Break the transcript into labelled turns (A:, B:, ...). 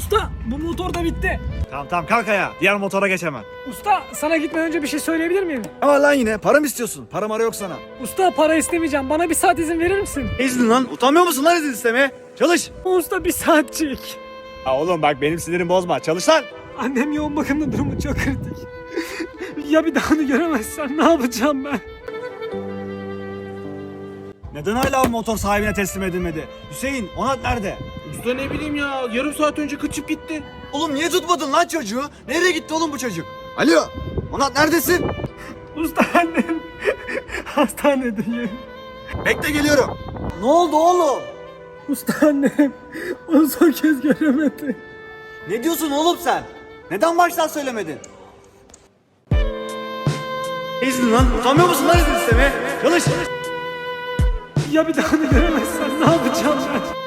A: Usta bu motor da bitti.
B: Tamam kalk ayağa. Diğer motora geç hemen.
A: Usta sana gitmeden önce bir şey söyleyebilir miyim?
B: Ama lan yine para mı istiyorsun? Para mara yok sana.
A: Usta para istemeyeceğim. Bana bir saat izin verir misin?
B: İzin lan. Utanmıyor musun lan izin istemeye? Çalış.
A: Usta bir saatçik.
B: Ya oğlum bak benim sinirimi bozma. Çalış lan.
A: Annem yoğun bakımda, durumu çok kritik. Ya bir daha onu göremezsem ne yapacağım ben?
B: Neden hala o motor sahibine teslim edilmedi? Hüseyin, Onat nerede?
C: Usta ne bileyim ya, yarım saat önce kaçıp gitti.
B: Oğlum niye tutmadın lan çocuğu? Nereye gitti oğlum bu çocuk? Alo, Onat neredesin?
A: Usta annem hastanedeyim.
B: Bekle geliyorum. Ne oldu oğlum?
A: Usta annem onu son kez göremedi.
B: Ne diyorsun oğlum sen? Neden baştan söylemedin? İzin lan, utanmıyor musun lan izin istemeye? Çalış.
A: Ya bir daha onu göremezsem ne yapacağım ben?